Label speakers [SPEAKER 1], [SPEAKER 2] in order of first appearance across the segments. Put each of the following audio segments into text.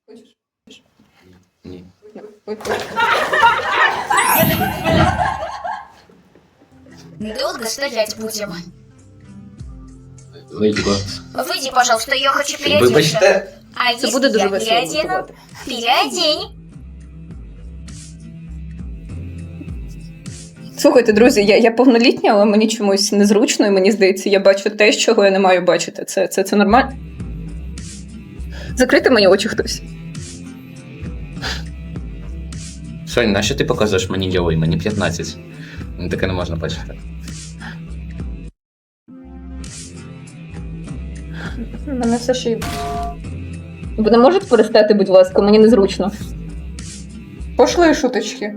[SPEAKER 1] Хочеш?
[SPEAKER 2] Ні.
[SPEAKER 1] Ой.
[SPEAKER 3] Долго стоять будем?
[SPEAKER 2] Леді Гот.
[SPEAKER 3] Выйди, пожалуйста, я хочу переодеться.
[SPEAKER 2] Вибачте.
[SPEAKER 3] А
[SPEAKER 1] Це
[SPEAKER 3] если
[SPEAKER 1] буде дуже
[SPEAKER 3] я
[SPEAKER 1] весело
[SPEAKER 3] переодену?
[SPEAKER 1] готувати.
[SPEAKER 3] Переодень.
[SPEAKER 1] Слухайте, друзі, я повнолітня, але мені чомусь незручно, і мені здається, я бачу те, чого я не маю бачити. Це нормально? Закрити мені очі хтось.
[SPEAKER 2] Сонь, нащо ти показуєш мені йой? Мені 15. Мені таке не можна бачити.
[SPEAKER 1] Мене все ще й... Ви не можете перестати, будь ласка, мені незручно. Пошлої шуточки.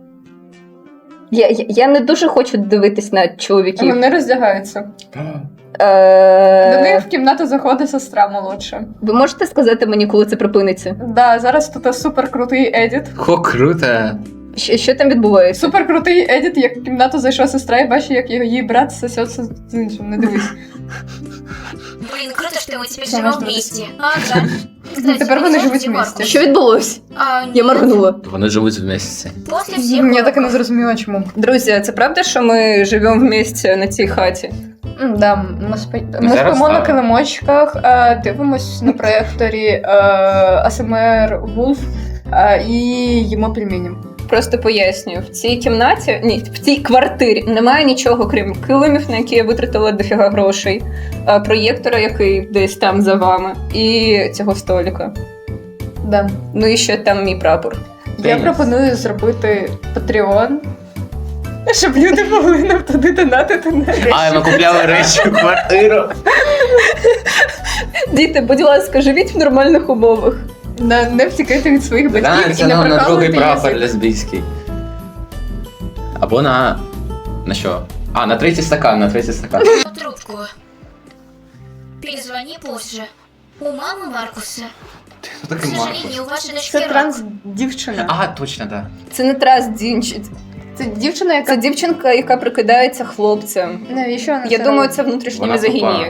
[SPEAKER 1] Я не дуже хочу дивитись на чоловіків.
[SPEAKER 4] Вони роздягаються. До них в кімнату заходить сестра молодша.
[SPEAKER 1] Ви можете сказати мені, коли це припиниться?
[SPEAKER 4] Да, зараз тут супер крутий едіт.
[SPEAKER 2] О, круто!
[SPEAKER 1] Що там відбувається?
[SPEAKER 4] Супер крутий едіт, як в кімнату зайшла сестра і бачить, як її брат сосеться з іншим. Не дивись.
[SPEAKER 3] Блин, круто, что мы теперь
[SPEAKER 4] Всё,
[SPEAKER 3] живем
[SPEAKER 4] можно
[SPEAKER 3] вместе. Ага. Кстати,
[SPEAKER 4] Теперь вы
[SPEAKER 3] где
[SPEAKER 4] живете
[SPEAKER 3] Маркус?
[SPEAKER 4] вместе.
[SPEAKER 1] Що відбулось?
[SPEAKER 3] А,
[SPEAKER 1] Я
[SPEAKER 3] нет.
[SPEAKER 1] моргнула.
[SPEAKER 2] Вони живуть в місяці.
[SPEAKER 3] После всех
[SPEAKER 4] Я так і не
[SPEAKER 3] уроков.
[SPEAKER 4] зрозуміла, чому.
[SPEAKER 1] Друзі, це правда, що ми живемо вместе на цій хаті?
[SPEAKER 4] Да, ми
[SPEAKER 2] зараз
[SPEAKER 4] спимо на
[SPEAKER 2] так.
[SPEAKER 4] килимочках, дивимось на проєкторі АСМР Wolf і їмо пельмені.
[SPEAKER 1] Просто пояснюю, в цій кімнаті, ні, в цій квартирі немає нічого, крім килимів, на які я витратила дофіга грошей, проєктора, який десь там за вами, і цього столика.
[SPEAKER 4] Да.
[SPEAKER 1] Ну і ще там мій прапор.
[SPEAKER 4] Я
[SPEAKER 2] Деніс.
[SPEAKER 4] пропоную зробити Patreon, щоб люди могли нам туди донатити на речі.
[SPEAKER 2] А, ми купляли речі в квартиру.
[SPEAKER 1] Діти, будь ласка, живіть в нормальних умовах.
[SPEAKER 4] Не втікайте від своїх
[SPEAKER 2] Да,
[SPEAKER 4] батьків і
[SPEAKER 2] це
[SPEAKER 4] не
[SPEAKER 2] на другий
[SPEAKER 4] прокалуйте
[SPEAKER 2] прапор
[SPEAKER 4] язик.
[SPEAKER 2] лесбійський. Або на... На що? А, на третій стакан, на третій стакан.
[SPEAKER 3] Трубку. Перезвони позже. У мамы Маркуса.
[SPEAKER 2] Хто
[SPEAKER 3] К
[SPEAKER 2] такий Маркус?
[SPEAKER 3] сожалению, у вашей дочки
[SPEAKER 4] Це
[SPEAKER 3] рак.
[SPEAKER 4] транс-дівчина.
[SPEAKER 2] А, точно, так.
[SPEAKER 1] Це не трас дінчить.
[SPEAKER 4] Це дівчина, яка...
[SPEAKER 1] Це дівчинка, яка прикидається хлопцем.
[SPEAKER 4] Навіщо вона
[SPEAKER 1] Я
[SPEAKER 4] це
[SPEAKER 1] думаю,
[SPEAKER 4] робить?
[SPEAKER 1] це внутрішнє
[SPEAKER 2] Вона
[SPEAKER 1] мізогінія.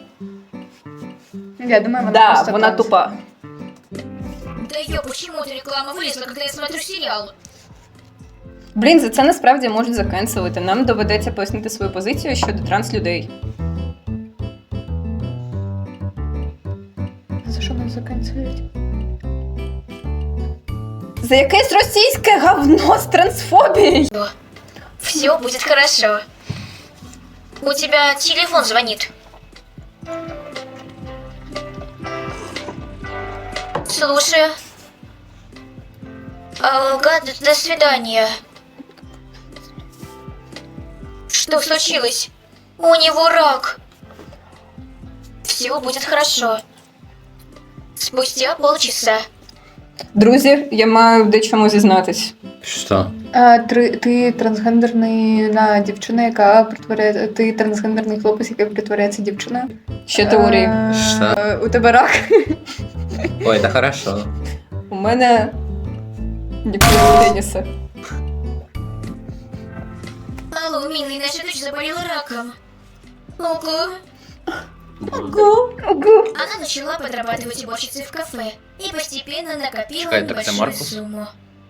[SPEAKER 4] Я думаю, вона
[SPEAKER 1] Да,
[SPEAKER 4] просто
[SPEAKER 1] вона
[SPEAKER 4] транс.
[SPEAKER 1] тупа.
[SPEAKER 3] Да ё, почему эта реклама вылезла, когда я смотрю сериал?
[SPEAKER 1] Блін, за це насправді можуть закенселити. Нам доведеться пояснити свою позицію щодо транслюдей.
[SPEAKER 4] За що нас заканцелюють?
[SPEAKER 1] За якесь російське говно з трансфобією.
[SPEAKER 3] Все будет хорошо. У тебя телефон звонит. Слушаю. Ага, до свидания. Что случилось? У него рак. Все будет хорошо. Спустя полчаса.
[SPEAKER 1] Друзі, я маю в дечому зізнатись.
[SPEAKER 2] Що?
[SPEAKER 4] Ти трансгендерна дівчина, яка притворяє... Ти трансгендерний хлопець, який притворяється дівчиною.
[SPEAKER 1] Ще теорії.
[SPEAKER 2] Що?
[SPEAKER 4] У тебе рак.
[SPEAKER 2] Ой, це хорошо.
[SPEAKER 1] У мене ніколи пеніса.
[SPEAKER 3] Алло, милый, наша дочь заболела раком. Ого.
[SPEAKER 1] Ого.
[SPEAKER 3] Она начала подрабатывать уборщицей в кафе и постепенно накопила
[SPEAKER 2] Чекай, так это
[SPEAKER 3] небольшую
[SPEAKER 2] Маркус?
[SPEAKER 3] сумму.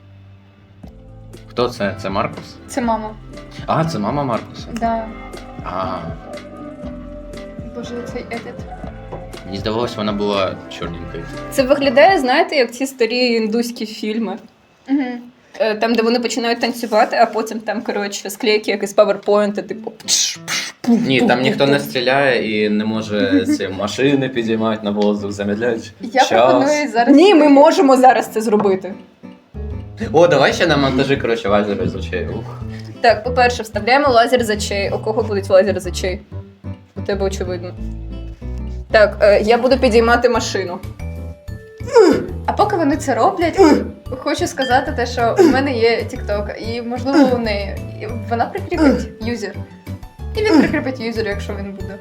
[SPEAKER 2] Хто це? Це Маркус?
[SPEAKER 4] Це мама.
[SPEAKER 2] А, це мама Маркуса.
[SPEAKER 4] Да.
[SPEAKER 2] А,
[SPEAKER 4] Боже, цей едит.
[SPEAKER 2] мені здавалось, вона була чорненькою.
[SPEAKER 1] Це виглядає, знаєте, як ці старі індуські фільми.
[SPEAKER 4] Угу.
[SPEAKER 1] Там, де вони починають танцювати, а потім там, коротше, склейки якісь PowerPoint, типу.
[SPEAKER 2] Ні, там ніхто не стріляє і не може ці машини підіймати на воздух, замедляють
[SPEAKER 4] Я
[SPEAKER 2] час.
[SPEAKER 4] пропоную зараз...
[SPEAKER 1] Ні, ми можемо зараз це зробити.
[SPEAKER 2] О, давай ще на монтажі, коротше, лазери з очей. Ух.
[SPEAKER 1] Так, по-перше, вставляємо лазер з очей. У кого будуть лазери з очей? У тебе очевидно. Так, я буду підіймати машину.
[SPEAKER 4] А поки вони це роблять, хочу сказати те, що у мене є TikTok, і можливо у неї. І вона прикріпить юзер. І він прикріпить юзер, якщо він буде.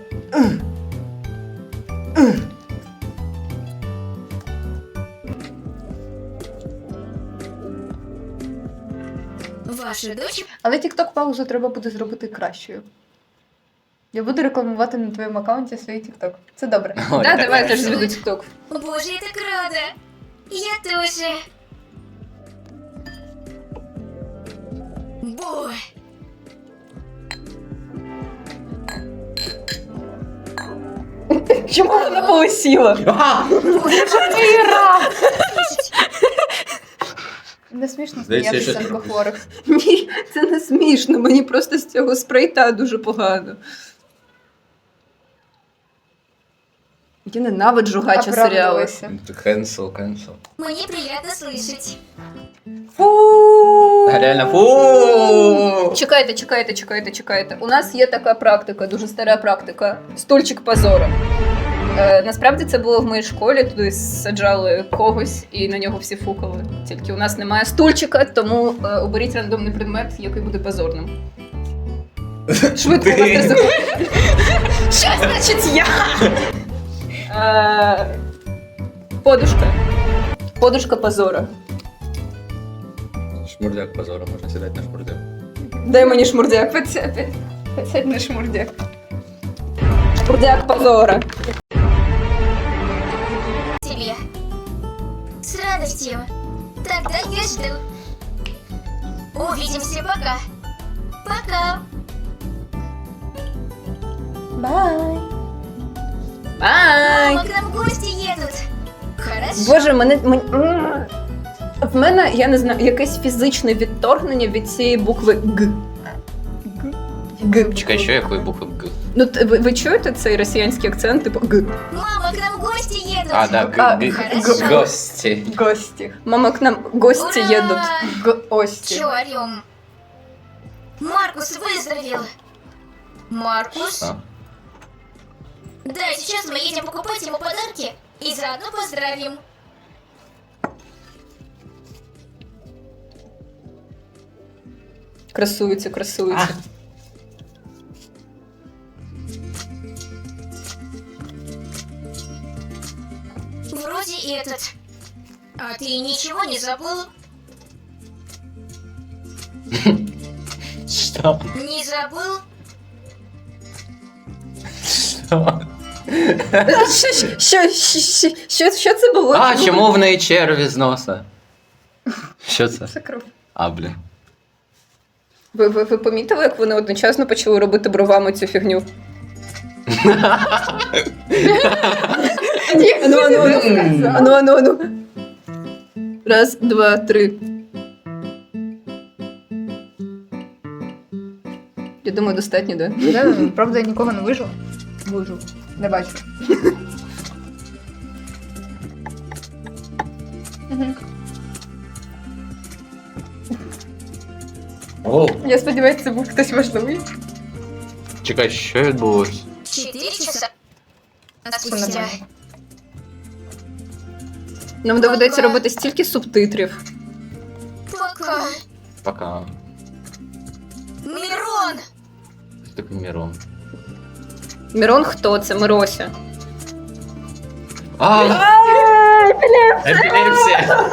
[SPEAKER 3] Ваша дочь?
[SPEAKER 4] Але TikTok паузу треба буде зробити кращою. Я буду рекламувати на твоєму аккаунті свій TikTok. Це добре.
[SPEAKER 2] Ой,
[SPEAKER 1] Да,
[SPEAKER 2] так
[SPEAKER 1] давай я теж
[SPEAKER 2] хорошо.
[SPEAKER 1] заведу TikTok.
[SPEAKER 3] Боже, я так рада. Я тоже. Бу.
[SPEAKER 1] Чому вона полисіла?
[SPEAKER 4] Не смішно
[SPEAKER 2] Здається,
[SPEAKER 4] сміятися
[SPEAKER 2] що-
[SPEAKER 4] з онкохворих.
[SPEAKER 1] Ні, це не смішно. Мені просто з цього спрейта дуже погано. Я ненавиджу гача серіали.
[SPEAKER 4] Оправдалися.
[SPEAKER 2] Cancel.
[SPEAKER 3] Мне приятно слышать.
[SPEAKER 1] Фу!
[SPEAKER 2] Реально, фу!
[SPEAKER 1] Чекайте. У нас є така практика, дуже стара практика. Стульчик позору. Насправді це було в моїй школі, туди саджали когось і на нього всі фукали. Тільки у нас немає стульчика, тому оберіть рандомний предмет, який буде позорним. Швидко у вас 3 секунди. Що значить я? Подушка. Подушка позора.
[SPEAKER 2] Шмурдяк позора, можна сідати на шмурдяк.
[SPEAKER 1] Дай мені шмурдяк.
[SPEAKER 4] Підсядь на шмурдяк.
[SPEAKER 1] Шмурдяк позора.
[SPEAKER 3] Тебе. С радостью. Тогда я жду. Увидимся пока. Пока.
[SPEAKER 4] Бай.
[SPEAKER 1] Бай!
[SPEAKER 3] Мама, к нам гости едут. Хорошо.
[SPEAKER 1] Боже, в мене, я не знаю, якесь фізичне відторгнення від цієї букви Г. Г.
[SPEAKER 2] Чекай, що якої букви Г?
[SPEAKER 1] Ну, ви чуєте цей росіянський акцент, типу Г?
[SPEAKER 3] Мама, к нам гости едут.
[SPEAKER 2] А, да,
[SPEAKER 3] Хорошо.
[SPEAKER 2] гості.
[SPEAKER 4] Гості.
[SPEAKER 1] Мама, к нам гості
[SPEAKER 3] Ура!
[SPEAKER 1] їдуть.
[SPEAKER 4] Гості.
[SPEAKER 3] Чё орём? Маркус выздоровел. Маркус?
[SPEAKER 2] Що?
[SPEAKER 3] Да, сейчас мы едем покупать ему подарки и заодно поздравим.
[SPEAKER 1] Красується.
[SPEAKER 3] Вроде этот. А ты ничего не забыл?
[SPEAKER 2] Що?
[SPEAKER 3] Не забыл?
[SPEAKER 2] Що?
[SPEAKER 1] Що це було?
[SPEAKER 2] А, чому в неї черві з носа? Що це?
[SPEAKER 4] Це кров.
[SPEAKER 2] А, блін.
[SPEAKER 1] Ви помітили, як вони одночасно почали робити бровами цю фігню? Ану. Раз, два, три. Я думаю, достатньо, да?
[SPEAKER 4] Правда, я нікого не вижив. Вижив. Не бачу.
[SPEAKER 2] О,
[SPEAKER 4] Я сподіваюся, це був хтось важливий.
[SPEAKER 2] чекай, що відбулось?
[SPEAKER 3] 4 часа.
[SPEAKER 4] Все
[SPEAKER 3] Спустя.
[SPEAKER 4] нормально.
[SPEAKER 1] Нам доведеться робити стільки субтитрів.
[SPEAKER 3] Пока.
[SPEAKER 2] Пока.
[SPEAKER 3] Мирон!
[SPEAKER 2] Що таке Мірон?
[SPEAKER 1] Мірон хто? Це Мирося.
[SPEAKER 2] А! Епілепсія!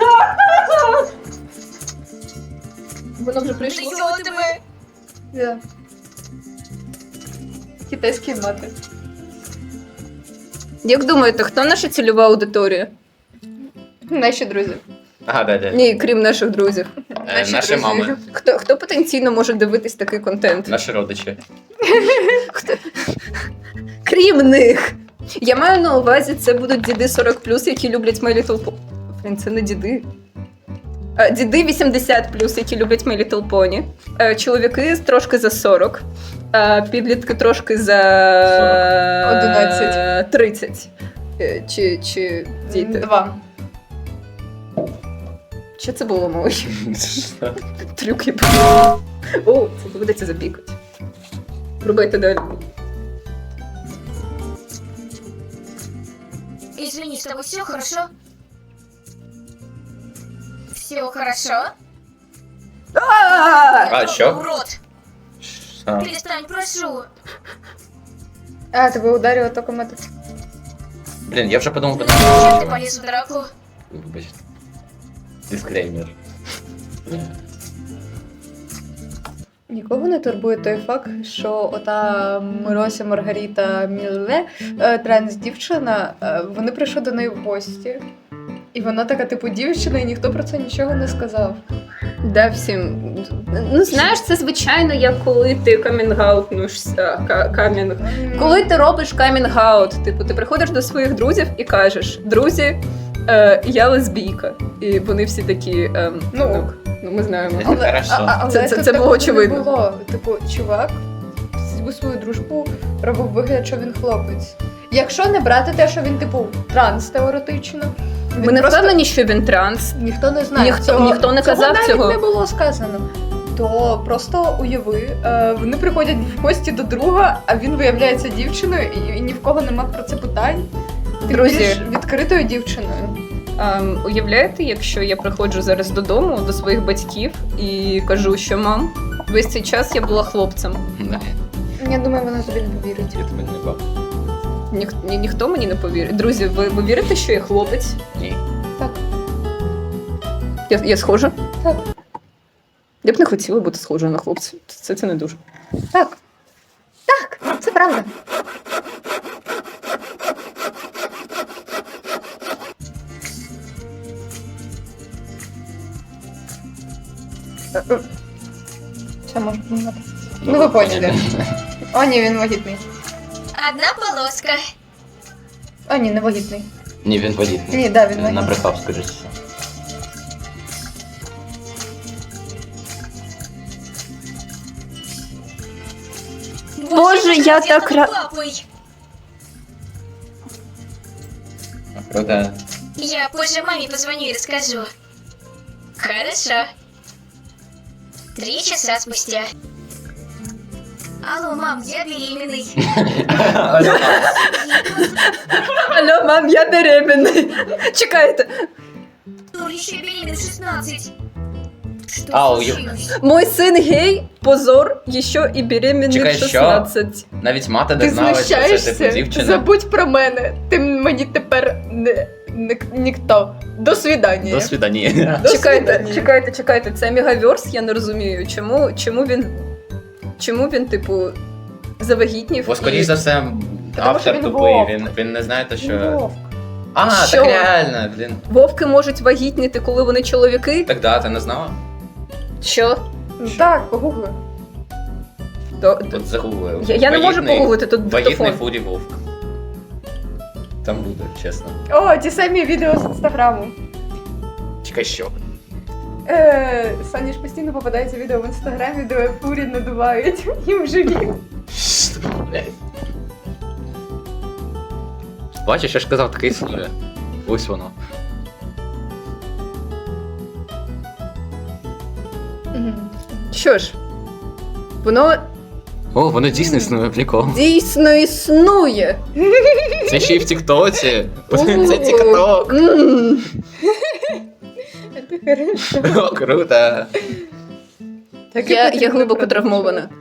[SPEAKER 1] Воно вже прийшло.
[SPEAKER 3] Придёт
[SPEAKER 4] Да. Китайські мати.
[SPEAKER 1] Як думаєте, хто наша цільова аудиторія?
[SPEAKER 4] Наші друзі.
[SPEAKER 2] Ага, да.
[SPEAKER 1] Ні, крім наших друзів.
[SPEAKER 2] Наші мами,
[SPEAKER 1] Хто потенційно може дивитись такий контент?
[SPEAKER 2] наші родичі.
[SPEAKER 1] Крім них. Я маю на увазі, це будуть діди 40+, які люблять My Little Pony. Блін, це не діди. Діди 80+, які люблять My Little Pony. Чоловіки трошки за 40. Підлітки трошки за
[SPEAKER 4] 11.
[SPEAKER 1] 30. Чи діти.
[SPEAKER 4] 2.
[SPEAKER 1] Що це було, мой? Трюк я О, це доведеться запікати. Рубайте далі.
[SPEAKER 3] Извини, с тобой все хорошо? Все хорошо?
[SPEAKER 2] А, що?
[SPEAKER 3] Урод!
[SPEAKER 2] Що?
[SPEAKER 3] Перестань, прошу!
[SPEAKER 4] А, тебе ударило током этот.
[SPEAKER 2] Блін, я вже подумав,
[SPEAKER 3] Зачем ты полез в драку?
[SPEAKER 2] Вибачте. Дисклеймер.
[SPEAKER 4] Нікого не турбує той факт, що ота Мирося Маргарита Мілле, транс-дівчина, вони прийшли до неї в гості. І вона така, типу, дівчина, і ніхто про це нічого не сказав.
[SPEAKER 1] Да, всім. Ну, знаєш, це звичайно, як коли ти камінгаутнушся. Коли ти робиш камінгаут, типу, ти приходиш до своїх друзів і кажеш: друзі, я лесбійка. І вони всі такі, ну ми знаємо.
[SPEAKER 2] Хорошо.
[SPEAKER 1] Це
[SPEAKER 4] тут
[SPEAKER 1] було
[SPEAKER 4] такого
[SPEAKER 1] очевидно.
[SPEAKER 4] не було. Типу, чувак у свою дружбу робив вигляд, що він хлопець. Якщо не брати те, що він, типу, транс теоретично.
[SPEAKER 1] Ми не впевнені, що він транс.
[SPEAKER 4] Ніхто не знає.
[SPEAKER 1] Ніхто не казав
[SPEAKER 4] навіть
[SPEAKER 1] цього.
[SPEAKER 4] не було сказано. То просто уяви, вони приходять в гості до друга, а він виявляється дівчиною, і ні в кого нема про це питань. Тим
[SPEAKER 1] Друзі.
[SPEAKER 4] більш відкритою дівчиною.
[SPEAKER 1] Уявляєте, якщо я приходжу зараз додому до своїх батьків і кажу, що мам, весь цей час я була хлопцем.
[SPEAKER 2] Не,
[SPEAKER 4] Я думаю, вона тобі не повірить.
[SPEAKER 2] я тебе не бав.
[SPEAKER 1] Ніхто мені не повірить. Друзі, ви вірите, що я хлопець?
[SPEAKER 2] Ні.
[SPEAKER 4] Так.
[SPEAKER 1] Я схожа?
[SPEAKER 4] Так.
[SPEAKER 1] Я б не хотіла бути схожою на хлопця. Це не дуже.
[SPEAKER 4] Так. Так, це правда. Все, можна помагати. Ну, ви поняли. О, ні, він вагітний.
[SPEAKER 3] Одна полоска.
[SPEAKER 4] О, ні, не вагітний.
[SPEAKER 2] Ні, він вагітний.
[SPEAKER 4] Ні, да, він вагітний.
[SPEAKER 2] Набрехав, скажи що.
[SPEAKER 1] Боже, я так
[SPEAKER 3] Папой.
[SPEAKER 2] Круто.
[SPEAKER 3] Я позже маме позвоню и расскажу. Хорошо. 3 часа спустя. Алло, мам, я беременный.
[SPEAKER 1] Алло, мам, я беременний. Чекайте.
[SPEAKER 3] Дур, еще беременна в 16. Что
[SPEAKER 2] Ау,
[SPEAKER 3] случилось?
[SPEAKER 1] Мой син гей, позор, ще і беременний
[SPEAKER 2] Чекай,
[SPEAKER 1] в
[SPEAKER 2] що?
[SPEAKER 1] 16.
[SPEAKER 2] Навіть мати не
[SPEAKER 4] Ти
[SPEAKER 2] знала, що це типу
[SPEAKER 4] знущаєшся?
[SPEAKER 2] дівчина.
[SPEAKER 4] Забудь про мене. Ти мені тепер ніхто. До свидання.
[SPEAKER 2] До свидання.
[SPEAKER 4] До
[SPEAKER 1] Чекайте,
[SPEAKER 4] свидання.
[SPEAKER 1] чекайте, це мегаверс, я не розумію. Чому він, типу, завагітнів?
[SPEAKER 2] Бо, скоріш
[SPEAKER 1] і-
[SPEAKER 2] за все,
[SPEAKER 4] що
[SPEAKER 2] автор
[SPEAKER 4] він
[SPEAKER 2] тупий,
[SPEAKER 4] вовк.
[SPEAKER 2] він не знає, то
[SPEAKER 4] Він
[SPEAKER 2] що...
[SPEAKER 4] вовк.
[SPEAKER 2] А,
[SPEAKER 1] Що?
[SPEAKER 2] так реально, блін.
[SPEAKER 1] Вовки можуть вагітніти, коли вони чоловіки?
[SPEAKER 2] Так да, ти не знала?
[SPEAKER 1] Що?
[SPEAKER 4] Ну так, погугли.
[SPEAKER 2] Тут загуглив.
[SPEAKER 1] Я не можу погуглити, тут
[SPEAKER 2] Вагітний
[SPEAKER 1] диктофон.
[SPEAKER 2] фурі вовк. Там буде, чесно.
[SPEAKER 4] О, ті самі відео з інстаграму.
[SPEAKER 2] Чекай, що?
[SPEAKER 4] Сані ж постійно попадається відео в інстаграмі, де фурі надувають їм живіт.
[SPEAKER 2] Що, блядь? Бачиш, я ж казав, таке існує. Ось воно.
[SPEAKER 1] Що ж, воно
[SPEAKER 2] О, воно дійсно існує, прикол.
[SPEAKER 1] дійсно існує.
[SPEAKER 2] Це ще й в Тіктоці. Це
[SPEAKER 1] О,
[SPEAKER 2] Тікток.
[SPEAKER 1] м.
[SPEAKER 2] О, круто.
[SPEAKER 1] Я глибоко травмована.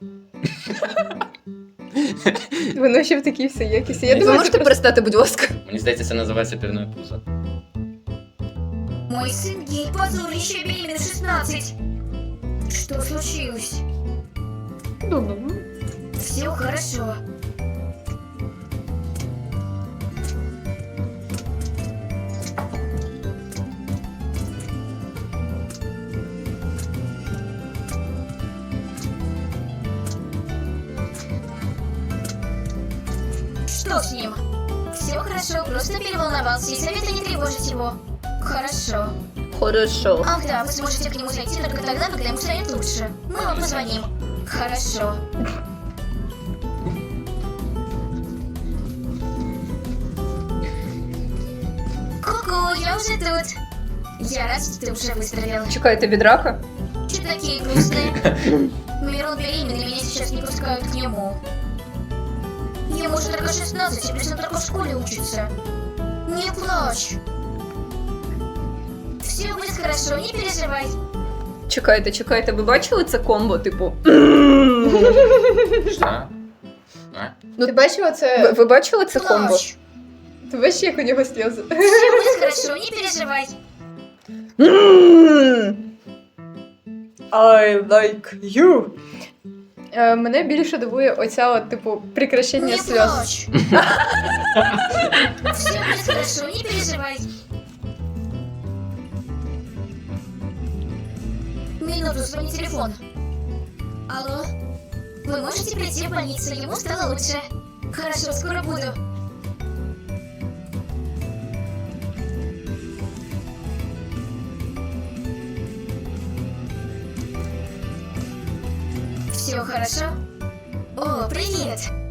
[SPEAKER 4] Воно ще в такій всій якісті. Я
[SPEAKER 1] Ви
[SPEAKER 4] думаю,
[SPEAKER 1] можете перестати, будь ласка?
[SPEAKER 2] Мені здається, це називається пірною пузо.
[SPEAKER 3] Мой сын гей, позор, еще беременна в 16. Что случилось? Все хорошо. Что с ним? Все хорошо, просто переволновался, и совета не тревожить его. Хорошо.
[SPEAKER 1] Хорошо.
[SPEAKER 3] Ах да, вы сможете к нему зайти только тогда, когда ему станет лучше. Мы вам позвоним. Хорошо. Ку-ку, я уже тут. Я рад, что ты уже выздоровел.
[SPEAKER 1] Чекайте від рака.
[SPEAKER 3] Че такие грустные? Мирон беременный, меня сейчас не пускают к нему. Ему уже только 16, и плюс он только в школе учится. Не плачь. Все будет хорошо, не переживай.
[SPEAKER 1] Чекайте, ви бачили це комбо, типу?
[SPEAKER 2] Що? А?
[SPEAKER 4] Ти бачила це?
[SPEAKER 1] Ви бачили це комбо?
[SPEAKER 3] Плачь.
[SPEAKER 4] Ти бачиш, як у нього сльози?
[SPEAKER 3] Все будет хорошо, не переживай.
[SPEAKER 4] I like you. Мене більше дивує оця от, типу, прекращення
[SPEAKER 3] Не
[SPEAKER 4] сльоз.
[SPEAKER 3] плачь. Все будет хорошо, не переживай. минуту, звонит телефон. Алло? Вы можете прийти в больницу? Ему стало лучше. Хорошо, скоро буду. Все хорошо? О, привет!